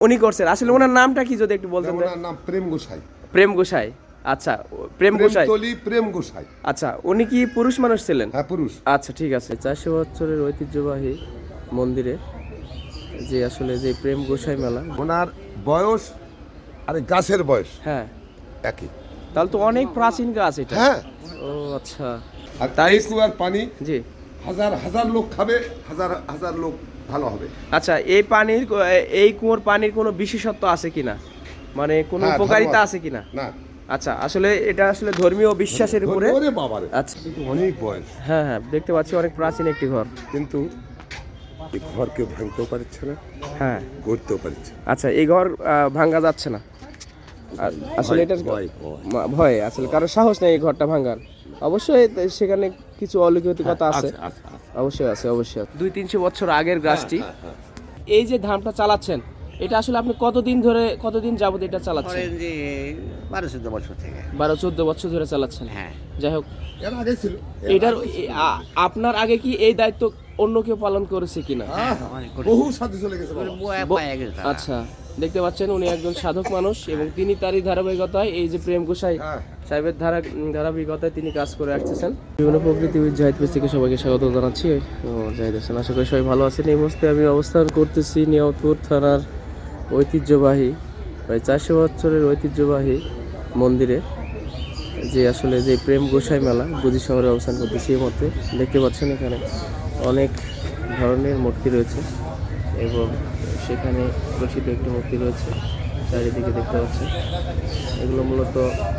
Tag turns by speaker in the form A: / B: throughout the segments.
A: উনি করছেন। আসলে ওনার নামটা কি যদি একটু বলতেন?
B: ওনার নাম প্রেম গোসাই।
A: প্রেম গোসাই। আচ্ছা, প্রেম গোসাই।
B: প্রেম গোসাই।
A: আচ্ছা, উনি কি পুরুষ মানুষ ছিলেন?
B: হ্যাঁ, পুরুষ।
A: আচ্ছা, ঠিক আছে। 400 বছরের ঐতিহ্যবাহী মন্দিরে যে আসলে যে প্রেম গোসাই মেলা,
B: ওনার বয়স আর গাছের বয়স
A: হ্যাঁ
B: একই।
A: তাহলে তো অনেক প্রাচীন গাছ এটা।
B: হ্যাঁ।
A: ও আচ্ছা।
B: আর তাই কুয়ার পানি
A: জি।
B: হাজার হাজার লোক খাবে, হাজার হাজার লোক ভালো হবে।
A: আচ্ছা, এই কুয়োর পানির কোনো বিশেষত্ব আছে কিনা, মানে কোনো উপকারিতা আছে কিনা?
B: না।
A: আচ্ছা, আসলে এটা আসলে ধর্মীয় বিশ্বাসের উপরে। আচ্ছা,
B: অনেক বয়স।
A: হ্যাঁ হ্যাঁ, দেখতে পাচ্ছি অনেক প্রাচীন একটি ঘর।
B: কিন্তু এই ঘর কেউ ভাঙতেও পারছে না,
A: হ্যাঁ
B: গড়তেও পারছে।
A: আচ্ছা, এই ঘর ভাঙা যাচ্ছে না আসলে, এটা ভয় আসলে, কারণ সাহস নেই এই ঘরটা ভাঙার। অবশ্যই সেখানে কিছু অলৌকিকতা আছে, অবশ্যই আছে, অবশ্যই। 200-300 বছর আগের গাছটি। এই যে ধামটা চালাচ্ছেন, এটা আসলে আপনি কতদিন যাবত এটা চালাচ্ছেন?
C: 12-14 বছর থেকে।
A: 12-14 বছর ধরে চালাচ্ছেন।
C: হ্যাঁ।
A: যাই হোক,
B: এর আগে ছিল।
A: এটার আপনার আগে কি এই দায়িত্ব অন্য কেউ পালন করেছে কিনা?
B: বহু সাধু চলে গেছে।
A: আচ্ছা, দেখতে পাচ্ছেন উনি একজন সাধক মানুষ এবং তিনি তারই ধারাবাহিকতায় এই যে প্রেম গোসাই সাহেবের ধারাবাহিকতায় তিনি কাজ করে আসতেছেন। বিভিন্ন প্রকৃতিবিদ জাহিদ পেজ থেকে সবাইকে স্বাগত জানাচ্ছি। জাহিদ হাসান, আশা করি সবাই ভালো আছেন। এই মুহূর্তে আমি অবস্থান করতেছি নিয়ামতপুর থানার ঐতিহ্যবাহী, প্রায় 400 বছরের ঐতিহ্যবাহী মন্দিরে যে আসলে যে প্রেম গোসাই মেলা, গুজি শহরে অবস্থান করতেছি। এই মুহূর্তে দেখতে পাচ্ছেন এখানে অনেক ধরনের মূর্তি রয়েছে এবং সেখানে প্রসিদ্ধ একটি মূর্তি রয়েছে চারিদিকে দেখতে পাচ্ছেন। এগুলো মূলত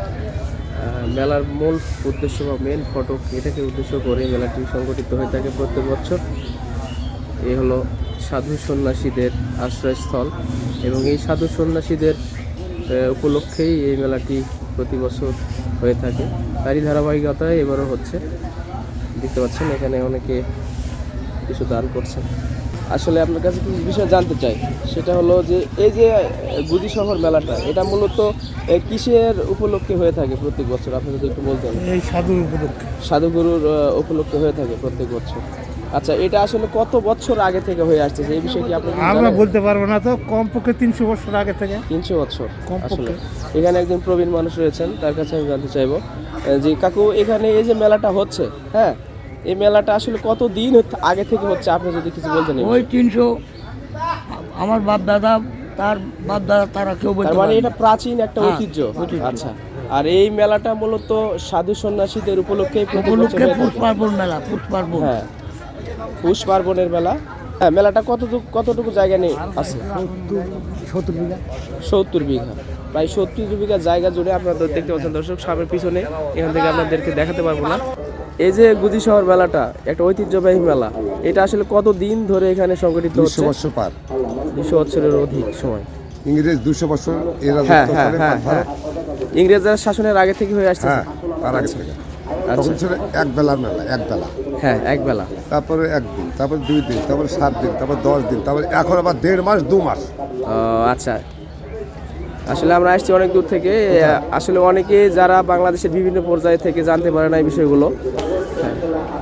A: মেলার মূল উদ্দেশ্য বা মেন ফটক, এটাকে উদ্দেশ্য করে মেলাটি সংগঠিত হয়ে থাকে প্রত্যেক বছর। এ হলো সাধু সন্ন্যাসীদের আশ্রয়স্থল এবং এই সাধু সন্ন্যাসীদের উপলক্ষেই এই মেলাটি প্রতি বছর হয়ে থাকে। তারই ধারাবাহিকতায় এবারও হচ্ছে। দেখতে পাচ্ছেন এখানে অনেকে কিছু দান করছেন। আসলে আপনার কাছে কিছু বিষয় জানতে চাই, সেটা হলো যে এই যে গুজি শহর মেলাটা, এটা মূলত কিসের উপলক্ষে হয়ে থাকে প্রত্যেক বছর? আপনি যদি একটু বলতেন।
D: এই সাধুর উপলক্ষে,
A: সাধুগুরুর উপলক্ষে হয়ে থাকে প্রত্যেক বছর। আচ্ছা, এটা আসলে কত বছর আগে থেকে হয়ে আসছে এই বিষয়ে কি আপনি
D: আমরা বলতে পারবো না, তো কমপক্ষে 300 বছর আগে থেকে।
A: 300 বছর আসলে। এখানে একজন প্রবীণ মানুষ রয়েছেন, তার কাছে আমি জানতে চাইবো যে কাকু, এখানে এই যে মেলাটা হচ্ছে, হ্যাঁ, এই মেলাটা আসলে কত দিন আগে থেকে হচ্ছে, আপনি যদি কিছু বলতেন।
C: ওই 300, আমার বাপ দাদা, তার বাপ দাদা, তারা কেউ বলতে
A: মানে এটা প্রাচীন একটা ঐতিহ্য। আচ্ছা, আর এই মেলাটা মূলত সাধু সন্ন্যাসীদের উপলক্ষে
C: পুষ পার্বণ মেলা, পুষ পার্বণ।
A: হ্যাঁ, পুষ পার্বণের মেলা। হ্যাঁ, মেলাটা কতটুকু জায়গা নিয়ে আছে?
C: 70 বিঘা।
A: 70 বিঘা, প্রায় 70 বিঘা জায়গা জুড়ে। আপনারা দেখতে পাচ্ছেন দর্শক, সামনের পিছনে, এখান থেকে আপনাদেরকে দেখাতে পারবো না। এই যে গুজি শহর মেলাটা একটা ঐতিহ্যবাহী মেলা, এটা আসলে কত দিন ধরে এখানে সংগঠিত হচ্ছে?
B: 200 বছর পার।
A: 200 বছরের অধিক সময়।
B: ইংরেজ 200 বছর এরা
A: হ্যাঁ হ্যাঁ হ্যাঁ হ্যাঁ, ইংরেজদের শাসনের আগে থেকে হয়ে আসছে।
B: হ্যাঁ, তার আগে থেকে। তখন ছিল এক বেলার মেলা, এক বেলা।
A: হ্যাঁ, এক বেলা।
B: তারপরে একদিন, তারপরে 2 দিন, তারপরে 7 দিন, তারপরে 10 দিন, তারপরে এখন আবার 1.5 মাস 2 মাস।
A: আচ্ছা, আসলে আমরা আসছি অনেক দূর থেকে। আসলে অনেকে যারা বাংলাদেশের বিভিন্ন পর্যায়ে থেকে জানতে পারে না এই বিষয়গুলো। হ্যাঁ,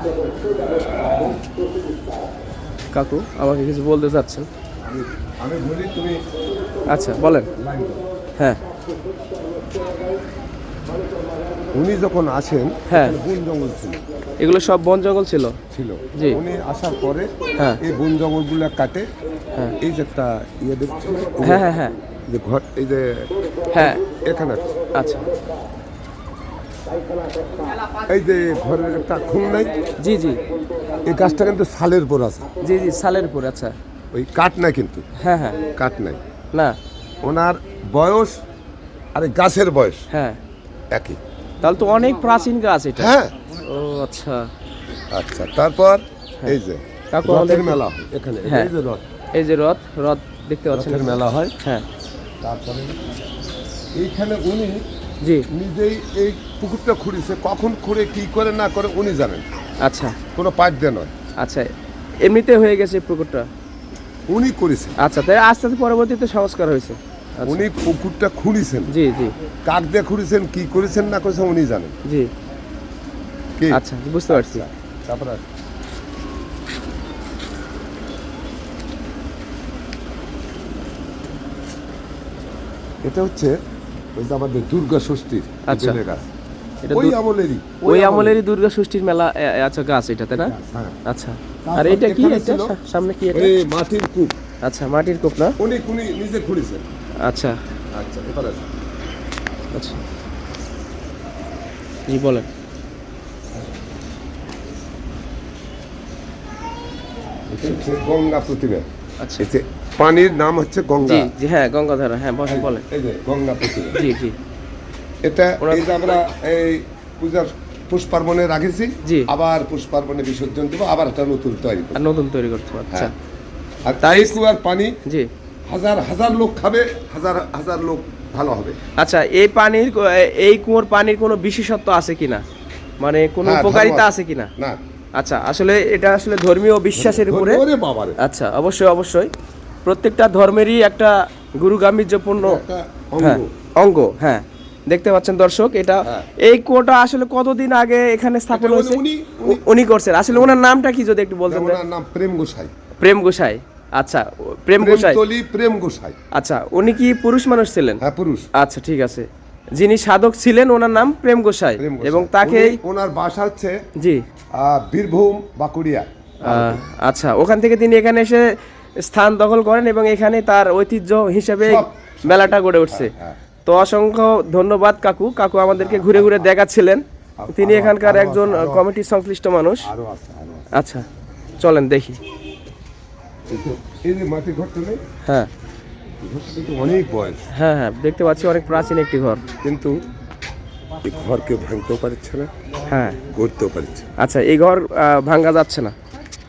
A: কাকু আমাকে কিছু বলতে চাচ্ছেন?
B: আমি বলি, তুমি
A: আচ্ছা বলেন। হ্যাঁ,
B: উনি যখন আসেন,
A: হ্যাঁ,
B: বন জঙ্গল ছিল,
A: এগুলো সব বন জঙ্গল ছিল। জি।
B: উনি আসার পরে
A: হ্যাঁ,
B: এই বন জঙ্গলগুলো কাটে,
A: হ্যাঁ,
B: এই যে একটা ইয়ে দেখছেন,
A: হ্যাঁ হ্যাঁ হ্যাঁ,
B: যে ঘর, এই যে
A: হ্যাঁ,
B: এখানে,
A: আচ্ছা,
B: এই যে ঘরের একটা খুন নাই,
A: জি জি,
B: এই গাছটা কিন্তু সালের পর আছে।
A: জি জি, সালের উপর। আচ্ছা,
B: ওই কাঠ নাই কিন্তু,
A: হ্যাঁ হ্যাঁ,
B: কাঠ নাই।
A: না,
B: ওনার বয়স আর এই গাছের বয়স
A: হ্যাঁ
B: একই।
A: তাহলে তো অনেক প্রাচীন গাছ এটা।
B: হ্যাঁ।
A: ও আচ্ছা
B: আচ্ছা, তারপর এই যে
A: কাকু
B: রথের মেলা হয় এখানে,
A: হ্যাঁ,
B: এই যে রথ,
A: এই যে রথ দেখতে পাচ্ছেন,
B: রথের মেলা হয়।
A: হ্যাঁ,
B: তারপরে এইখানে উনি
A: জি,
B: নিজেই এই পুকুরটা খুঁড়েছে, কখন খুঁড়ে কি করে না করে উনি জানেন।
A: আচ্ছা,
B: কোনো পাইপ দিয়ে নয়।
A: আচ্ছা, এমনিতে হয়ে গেছে পুকুরটা,
B: উনি করেছেন।
A: আচ্ছা, তাই আস্তে আস্তে পরবর্তীতে সংস্কার হয়েছে। আচ্ছা।
B: উনি পুকুরটা খুঁড়েছেন,
A: জি জি,
B: কাক দিয়ে খুঁড়েছেন, কি করেছেন না করেছেন উনি জানেন।
A: জি,
B: কি?
A: আচ্ছা, বুঝতে পারছি।
B: তারপরে এটা হচ্ছে ওই যে আমাদের দুর্গা ষষ্ঠীর
A: আচ্ছা।
B: বেলের গাছ
A: এটা
B: ওই আমলেরই
A: ওই আমলেরই দুর্গা ষষ্ঠীর মেলা আচ্ছা গাছ এটা তাই না?
B: হ্যাঁ।
A: আচ্ছা। আর
B: তারপর
A: এটা কি
B: এখানে
A: এটা
B: ছিল
A: সামনে কি এটা?
B: ওই মাটির কূপ
A: আচ্ছা মাটির কূপ না?
B: উনি নিজে খুঁড়েছেন।
A: আচ্ছা
B: আচ্ছা এবার আছে
A: আচ্ছা জি বলেন।
B: এটা হচ্ছে গঙ্গা প্রতিমা।
A: আচ্ছা
B: এই যে পানির নাম হচ্ছে গঙ্গা।
A: জি জি হ্যাঁ গঙ্গাধারা হ্যাঁ বলেন।
B: এই যে গঙ্গা প্রতিমা।
A: জি জি
B: এটা এই যে আমরা এই পূজার পুষ্পার্পণে রাখেছি,
A: জি।
B: আবার পুষ্পার্পণে বিসর্জন দেবো, আবার একটা নতুন তৈরি করবো।
A: আর নতুন তৈরি করতে হবে। আচ্ছা
B: আর তাই কুয়ার পানি
A: জি
B: হাজার হাজার লোক খাবে, হাজার হাজার লোক ভালো হবে।
A: আচ্ছা এই কুয়োর পানির কোনো বিশেষত্ব আছে কিনা, মানে কোনো
B: হ্যাঁ,
A: উপকারিতা
B: ধর্ম
A: আছে কিনা?
B: না
A: আচ্ছা আসলে এটা আসলে ধর্মীয় বিশ্বাসের উপরে।
B: ওরে বাবারে,
A: আচ্ছা অবশ্যই অবশ্যই প্রত্যেকটা ধর্মেরই একটা গুরুগাম্ভীর্যপূর্ণ
B: একটা
A: হ্যাঁ
B: অঙ্গ।
A: অঙ্গ হ্যাঁ দেখতে পাচ্ছেন দর্শক এটা
B: হ্যাঁ।
A: এই কুয়োটা আসলে কতদিন আগে এখানে স্থাপন
B: এটা
A: হয়েছে?
B: উনি-
A: উনি করছেন। আসলে ওনার নামটা কি যদি একটু বলতেন?
B: ওনার নাম প্রেম গোসাই।
A: প্রেম গোসাই। আচ্ছা প্রেম গোসাই।
B: প্রেমতলি প্রেম গোসাই।
A: আচ্ছা উনি কি পুরুষ মানুষ ছিলেন?
B: হ্যাঁ পুরুষ।
A: আচ্ছা ঠিক আছে। যিনি সাধক ছিলেন ওনার নাম প্রেম গোসাই
B: প্রেম গোসাই।
A: এবং তাকে
B: ওনার বাসা হচ্ছে
A: জি
B: বীরভূম বাঁকুড়িয়া।
A: আচ্ছা ওখান থেকে তিনি এখানে এসে স্থান দখল করেন এবং এখানে তার ঐতিহ্য হিসেবে
B: সব।
A: মেলাটা গড়ে উঠছে।
B: হ্যাঁ।
A: তো অসংখ্য ধন্যবাদ কাকু আমাদেরকে ঘুরে ঘুরে দেখাচ্ছিলেন। তিনি এখানকার একজন কমিটির সংশ্লিষ্ট মানুষ।
B: আরো আছে আরো আছে।
A: আচ্ছা চলেন দেখি।
B: এই যে মাটির ঘরটা নেই,
A: হ্যাঁ
B: ঘরটা কিন্তু অনেক বয়স,
A: হ্যাঁ হ্যাঁ দেখতে পাচ্ছি অনেক প্রাচীন একটি ঘর।
B: কিন্তু এই ঘর কেউ ভাঙতেও পারছে না,
A: হ্যাঁ
B: গড়তেও পারছে না।
A: আচ্ছা এই ঘর ভাঙ্গা যাচ্ছে না।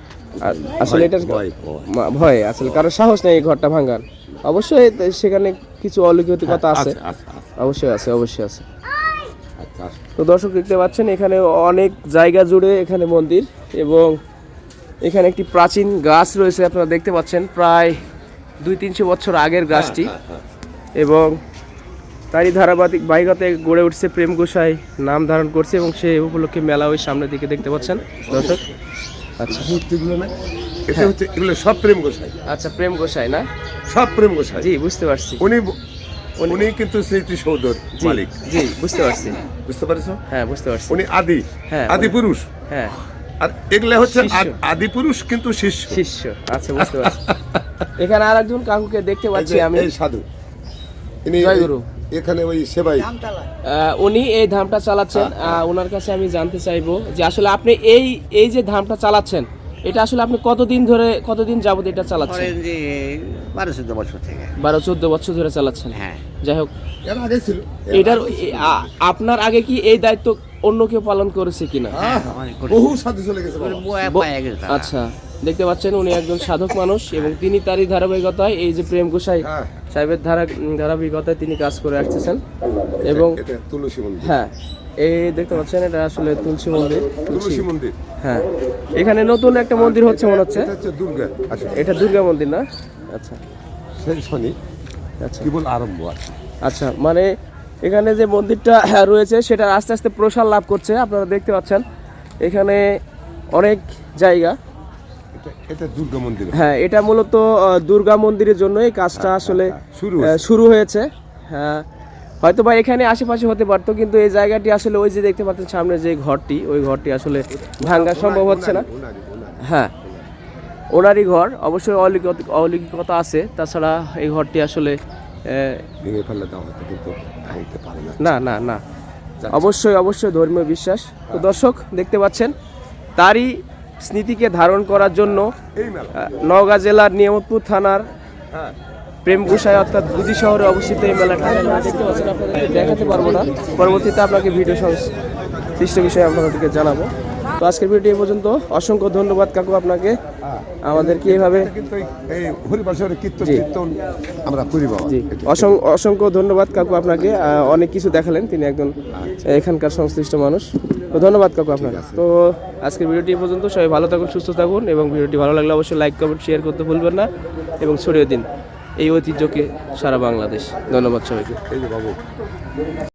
A: আসলে এটা ভয় আসলে কারোর সাহস নেই এই ঘরটা ভাঙার। অবশ্যই সেখানে কিছু অলৌকিকতা আছে, অবশ্যই আছে অবশ্যই আছে।
B: আচ্ছা
A: তো দর্শক দেখতে পাচ্ছেন এখানে অনেক জায়গা জুড়ে এখানে মন্দির এবং এখানে একটি প্রাচীন গাছ রয়েছে আপনারা দেখতে পাচ্ছেন, প্রায় 200-300 বছর আগের গাছটি এবং তারই ধারাবাহিকতায় গড়ে উঠছে প্রেম গোসাই নাম ধারণ করছে এবং সেই উপলক্ষে মেলা ওই সামনের দিকে দেখতে পাচ্ছেন দর্শক। আচ্ছা
B: মূর্তিগুলো না, এটা হচ্ছে এগুলো সব প্রেম গোসাই,
A: আচ্ছা প্রেম গোসাই না?
B: সব প্রেম গোসাই।
A: জি বুঝতে পারছি।
B: উনি কিন্তু স্মৃতিসৌধর
A: জি,
B: মালিক।
A: জি বুঝতে পারছি।
B: বুঝতে পারছো?
A: হ্যাঁ বুঝতে পারছি।
B: উনি
A: হ্যাঁ,
B: আদি পুরুষ।
A: হ্যাঁ
B: আর এগুলা হচ্ছে
A: শিষ্য।
B: আদি পুরুষ কিন্তু শিষ্য।
A: শিষ্য। আচ্ছা বুঝতে পারছি। এখানে আর একজন কাকুকে দেখতে পাচ্ছি আমি।
B: এই সাধু ইনি
A: জয় গুরু।
B: এখানে ওই সেবাই।
A: উনি এই ধামটা চালাচ্ছেন। ওনার কাছে আমি জানতে চাইবো যে আসলে আপনি এই যে ধামটা চালাচ্ছেন এটা আসলে আপনি কতদিন যাবত এটা চালাচ্ছেন?
C: 12-14 বছর থেকে।
A: 12-14 বছর ধরে চালাচ্ছেন।
C: হ্যাঁ।
A: যাই হোক
B: এর আগে ছিল।
A: এটার আপনার আগে কি এই দায়িত্ব অন্য কেউ পালন করেছে কিনা?
B: বহু সাধু চলে গেছে বাবা।
A: আচ্ছা দেখতে পাচ্ছেন উনি একজন সাধক মানুষ এবং তিনি তারই ধারাবাহিকতায় এই যে প্রেম গোসাই
B: হ্যাঁ।
A: সাহেবের ধারাবাহিকতায় তিনি কাজ করে আসতেছেন এবং
B: এটা তুলসী মন্দির।
A: হ্যাঁ এই দেখতে পাচ্ছেন এটা আসলে তুলসী মন্দির।
B: তুলসী মন্দির।
A: হ্যাঁ এখানে নতুন একটা মন্দির হচ্ছে মনে হচ্ছে।
B: এটা হচ্ছে দুর্গা। আচ্ছা
A: এটা দুর্গা মন্দির না? আচ্ছা
B: সেই শনি
A: আচ্ছা
B: কেবল আরম্ভ আছে।
A: আচ্ছা মানে এখানে যে মন্দিরটা রয়েছে সেটা আস্তে আস্তে প্রসার লাভ করছে। আপনারা দেখতে পাচ্ছেন এখানে অনেক জায়গা।
B: এটা দুর্গা মন্দির।
A: হ্যাঁ এটা মূলত দুর্গা মন্দিরের জন্য এই কাজটা আসলে শুরু হয়েছে। হ্যাঁ হয়তো বা এখানে আশেপাশে হতে পারতো কিন্তু এই জায়গাটি আসলে ওই যে দেখতে পাচ্ছেন সামনে যে ঘরটি ওই ঘরটি আসলে ভাঙা সম্ভব হচ্ছে না। হ্যাঁ ওনারই ঘর, অবশ্যই অলৌকিকতা আছে। তাছাড়া এই ঘরটি আসলে
B: ভেঙে ফেললে দাও হয়তো, কিন্তু ভাঙতে পারে না।
A: না না না অবশ্যই ধর্মীয় বিশ্বাস। তো দর্শক দেখতে পাচ্ছেন তারই স্মৃতিকে ধারণ করার জন্য
B: এই মেলা
A: নওগাঁ জেলার নিয়ামতপুর থানার
B: হ্যাঁ
A: প্রেম গোসাই অর্থাৎ গুজি শহরে অবস্থিত এই মেলাটা দেখতে পাচ্ছেন। আপনাদেরকে দেখাতে পারবো না, পরবর্তীতে আপনাকে ভিডিও সংশ্লিষ্ট বিষয়ে আপনাদেরকে জানাবো। তো আজকের ভিডিও এই পর্যন্ত। অসংখ্য ধন্যবাদ কাকু আপনাকে আমাদেরকে এইভাবে।
B: কিন্তু এই হরিবাসরের কীর্তন আমরা করি বাবা।
A: জি অসংখ্য ধন্যবাদ কাকু আপনাকে, অনেক কিছু দেখালেন। তিনি একজন এখানকার সংশ্লিষ্ট মানুষ। তো ধন্যবাদ কাকু আপনাকে। তো আজকের ভিডিওটি এই পর্যন্ত। সবাই ভালো থাকুন, সুস্থ থাকুন এবং ভিডিওটি ভালো লাগলে অবশ্যই লাইক কমেন্ট শেয়ার করতে ভুলবেন না এবং ছড়িয়ে দিন এই ঐতিহ্যকে সারা বাংলাদেশ। ধন্যবাদ সবাইকে।
B: এই যে বাবু